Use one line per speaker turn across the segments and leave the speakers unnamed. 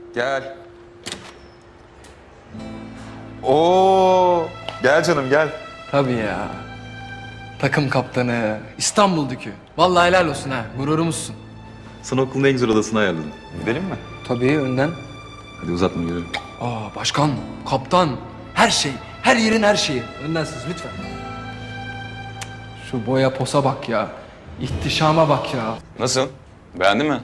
Gel. Oo, gel canım gel.
Tabii ya. Takım kaptanı, İstanbul Dükü. Vallahi helal olsun ha, gururumuzsun.
Sana okulun en güzel odasını ayarladım. Gidelim mi?
Tabii önden.
Hadi uzatma yürü.
Başkan, kaptan, her şey, her yerin her şeyi. Önden siz lütfen. Şu boya posa bak ya. İhtişama bak ya.
Nasıl? Beğendin mi?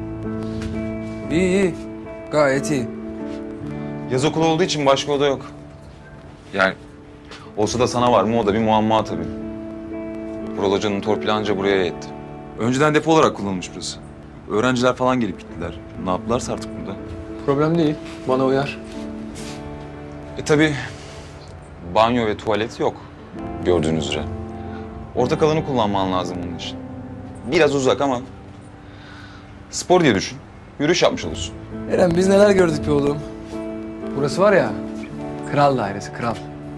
İyi. Gayet iyi.
Yaz okulu olduğu için başka oda yok. Yani olsa da sana var mı o da bir muamma tabii. Vural Hoca'nın torpili anca buraya yetti. Önceden depo olarak kullanılmış burası. Öğrenciler falan gelip gittiler. Ne yaptılarsa artık burada.
Problem değil. Bana uyar.
Tabii banyo ve tuvalet yok gördüğünüz üzere. Ortak alanı kullanman lazım bunun için. Biraz uzak ama spor diye düşün. Yürüyüş yapmış olursun.
Eren biz neler gördük be oğlum. Burası var ya, kral dairesi, kral.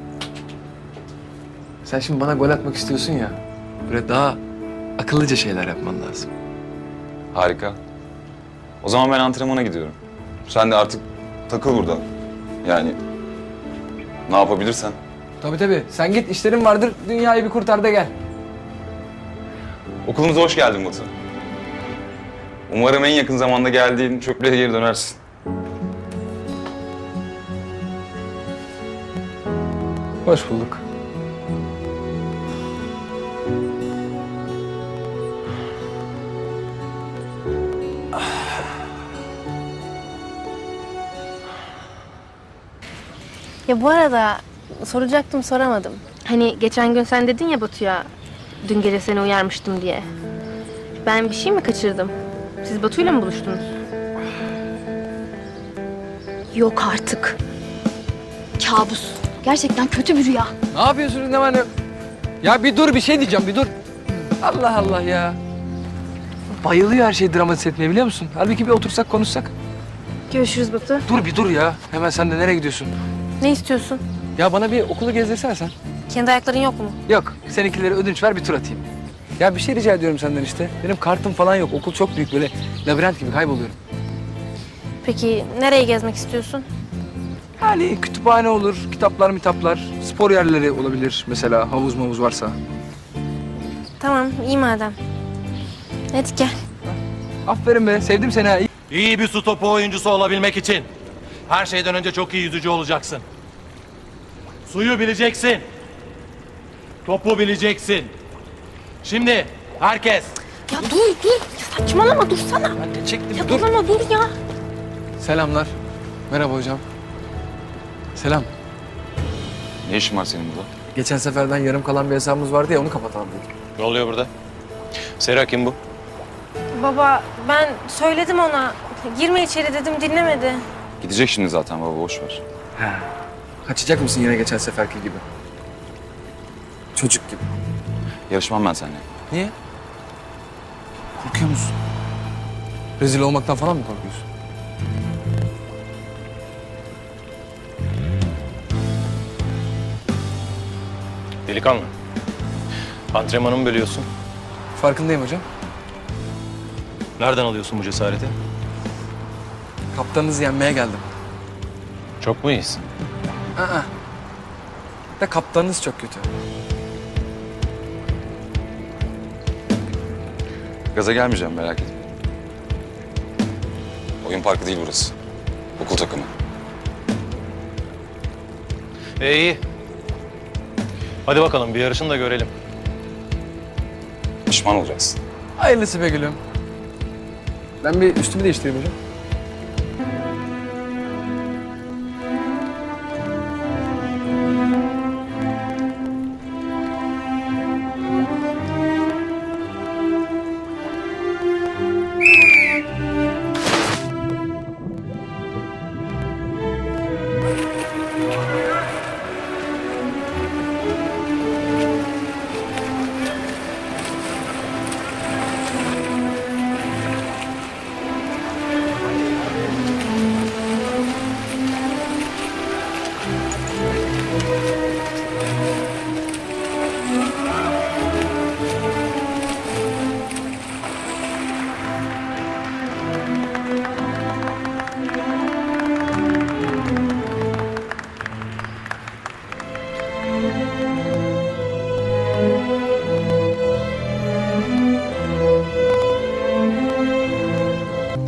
Sen şimdi bana gol atmak istiyorsun ya. Böyle daha akıllıca şeyler yapman lazım.
Harika. O zaman ben antrenmana gidiyorum. Sen de artık takıl burada. Yani ne yapabilirsen.
Tabii. Sen git, işlerin vardır. Dünyayı bir kurtar da gel.
Okulumuza hoş geldin Batu. Umarım en yakın zamanda geldiğin çöplüğe geri dönersin.
Hoş bulduk.
Ya bu arada soracaktım soramadım. Hani geçen gün sen dedin ya Batu'ya dün gece seni uyarmıştım diye. Ben bir şey mi kaçırdım? Siz Batu'yla mı buluştunuz?
Yok artık. Kabus. Gerçekten kötü bir rüya.
Ne yapıyorsunuz ne var ne yok? Ya bir dur, bir şey diyeceğim, bir dur. Allah Allah ya. Bayılıyor her şeyi dramatize etmeye, biliyor musun? Halbuki bir otursak konuşsak.
Görüşürüz Batu.
Dur bir dur ya. Hemen sen de nereye gidiyorsun?
Ne istiyorsun?
Ya bana bir okulu gezdirsene sen.
Kendi ayakların yok mu?
Yok, seninkileri ödünç ver, bir tur atayım. Ya bir şey rica ediyorum senden işte. Benim kartım falan yok. Okul çok büyük, böyle labirent gibi kayboluyorum.
Peki nereye gezmek istiyorsun?
Yani kütüphane olur, kitaplar, spor yerleri olabilir mesela, havuz mavuz varsa.
Tamam, iyi madem. Hadi gel.
Aferin be, sevdim seni ha.
İyi bir su topu oyuncusu olabilmek için her şeyden önce çok iyi yüzücü olacaksın. Suyu bileceksin. Topu bileceksin. Şimdi herkes
Ya dur. Ya saçmalama dursana.
Ben de çektim,
Ya
dur.
dur ama dur ya.
Selamlar. Merhaba hocam. Selam.
Ne işin var senin burada?
Geçen seferden yarım kalan bir hesabımız vardı ya, onu kapatalım dedik.
ne oluyor burada? Sera kim bu?
Baba ben söyledim ona. Girme içeri dedim dinlemedi.
Gidecek şimdi zaten baba, boş ver.
Kaçacak mısın yine geçen seferki gibi? Çocuk gibi.
Yarışmam ben seninle.
Niye? Korkuyor musun? Rezil olmaktan falan mı korkuyorsun?
Delikanlı. Antrenmanımı bölüyorsun.
Farkındayım hocam.
Nereden alıyorsun bu cesareti?
Kaptanınızı yenmeye geldim.
Çok mu iyisin?
Aa. Da kaptanınız çok kötü.
Gaza gelmeyeceğim, merak etme. Oyun parkı değil burası. Okul takımı.
İyi. Hadi bakalım bir yarışın da görelim.
Pişman olacaksın.
Hayırlısı be gülüm. Ben bir üstümü değiştireyim hocam.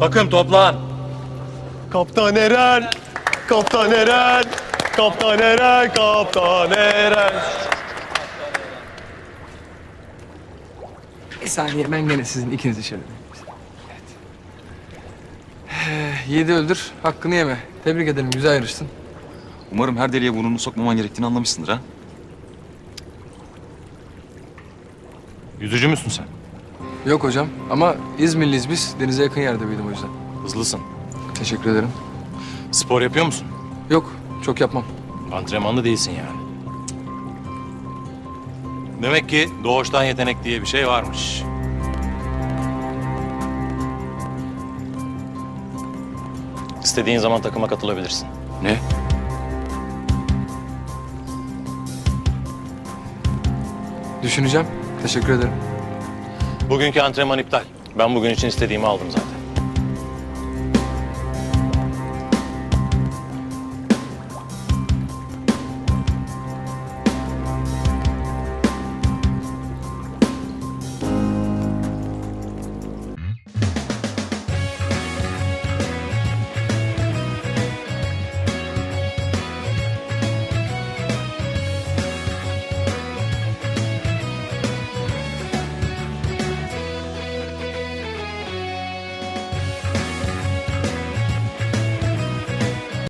Takım toplan.
Kaptan Eren, Kaptan Eren, Kaptan Eren, Kaptan Eren.
Bir saniye ben gene sizin ikinizi şöyle. Evet. 7 öldür, hakkını yeme. Tebrik ederim, güzel yarıştın.
Umarım her deliğe burnunu sokmaman gerektiğini anlamışsındır ha.
Yüzücü müsün sen?
Yok hocam ama İzmirliyiz biz. Denize yakın yerde büyüdüm o yüzden.
Hızlısın.
Teşekkür ederim.
Spor yapıyor musun?
Yok, çok yapmam.
Antrenmanlı değilsin yani. Demek ki doğuştan yetenek diye bir şey varmış. İstediğin zaman takıma katılabilirsin.
Ne?
Düşüneceğim. Teşekkür ederim.
Bugünkü antrenman iptal. Ben bugün için istediğimi aldım zaten.